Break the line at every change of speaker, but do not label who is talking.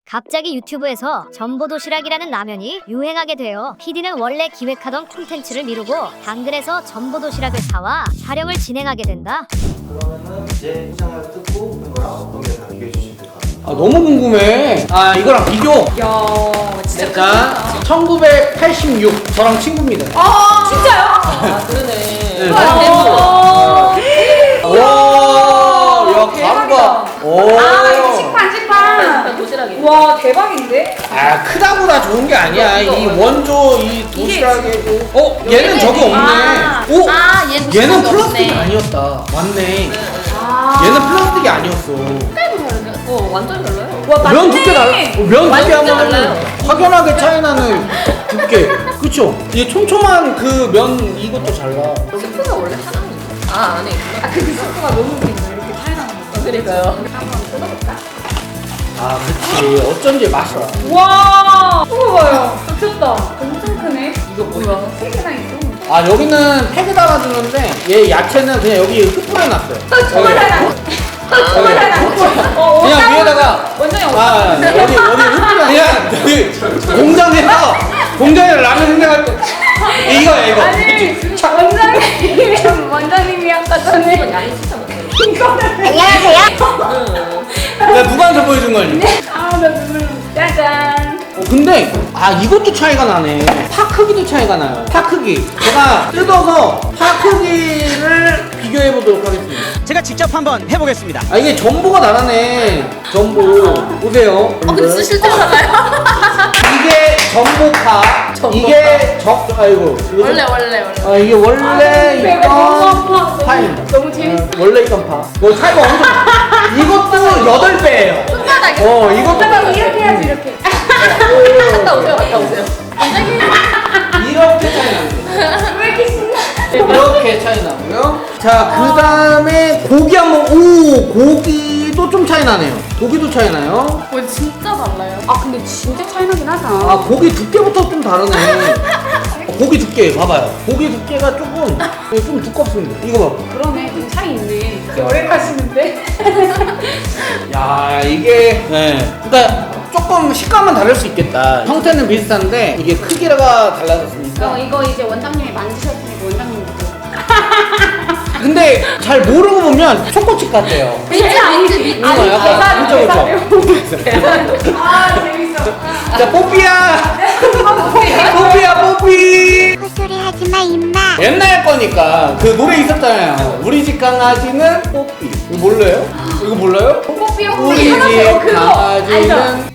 갑자기 유튜브에서 전보도시락이라는 라면이 유행하게 되어 PD는 원래 기획하던 콘텐츠를 미루고 당근에서 전보도시락을 사와 촬영을 진행하게 된다.
그러면은 이제 시장을 뜯고 이거랑 어떤 게 다 비교해 주시면 될 것 같아요.
아 너무 궁금해. 아 이거랑 비교.
야, 진짜
일단
크다.
1986 저랑 친구입니다.
아, 진짜요?
아
그러네.
네,
와,
와, 야 가루가. 오.
아, 이거 식판. 도시락이. 와, 대박인데?
아 크다보다 좋은 게 아니야.
이거,
이
이거.
원조 이 도시락에도. 얘는 저거 없네.
아,
오.
아,
얘는 플라스틱이 아니었다. 맞네.
아.
얘는 플라스틱이 아니었어.
완전 달라요. 와,
면 두께 달라. 면 두께
완전
하면
달라요.
확연하게 차이나는 두께. 그쵸? 이 촘촘한 그 면 이것도 달라.
스프가 원래 하나는. 아, 안에 있구나. 아, 그 스프가 너무 웃긴다. 이렇게 차이나는 거. 그러니까요. 한번 뜯어볼까?
아 그치. 어쩐지 맛있어.
와, 이거 봐요. 미쳤다. 엄청 크네.
이거 뭐야?
세 개나 있어.
아 여기는 팩에 담아주는데 얘 야채는 그냥 여기 흩뿌려놨어요.
정말 달라. 정말 달라.
그냥 위에다가
원장이
아 어디 흩뿌려 그냥 여기 공장에서 라면 생각할 때 이거야 이거.
아니, 원장님이 아까 전에 양이 진짜 많아요.
안녕하세요.
나 누구한테 보여준 거니?
아, 나 눈물. 짜잔.
근데 아 이것도 차이가 나네. 파 크기도 차이가 나요. 파 크기. 제가 뜯어서 파 크기를 비교해 보도록 하겠습니다.
제가 직접 한번 해보겠습니다.
아 이게 전보가 나라네. 전보 보세요.
근데 진짜 실제로 달라요.
이게 전보파. 이게 아이고 이거
원래.
아 이게 원래
배가 너무 아파.
있던 파입니다.
너무 재밌어.
원래 있던 파. 이거 차이가 엄청. 이것도 8배예요.
손바닥에.
이것도
손바닥 이렇게 해야지, 이렇게. 갔다 오세요. 원장님.
이렇게 차이 납니다.
왜 이렇게 신나?
이렇게 차이 나고요. 자, 그 다음에 고기 한번, 고기도 좀 차이 나네요. 고기도 차이 나요.
진짜 달라요. 아, 근데 진짜 차이나긴 하다.
아, 고기 두께부터 좀 다르네. 고기 두께, 봐봐요. 고기 두께가 조금, 좀 두껍습니다. 이거 봐.
그러네. 좀 차이 있네. 오래 가시는데?
야, 이게, 네. 그니까 조금 식감은 다를 수 있겠다. 형태는 비슷한데, 이게 크기가 달라졌으니까.
이거 이제 원장님이 만드셨으니까 원장님부터.
근데 잘 모르고 보면 초코칩 같아요.
민트.
이거 약간 그쵸.
아, 재밌어.
자, 뽀삐야! 뽀삐야, 뽀삐!
헛소리 하지마 임마.
옛날 거니까 그 노래 있었잖아요. 우리 집 강아지는 뽀삐. 이거 몰라요? 이거 몰라요?
뽀삐
우리 집 강아지는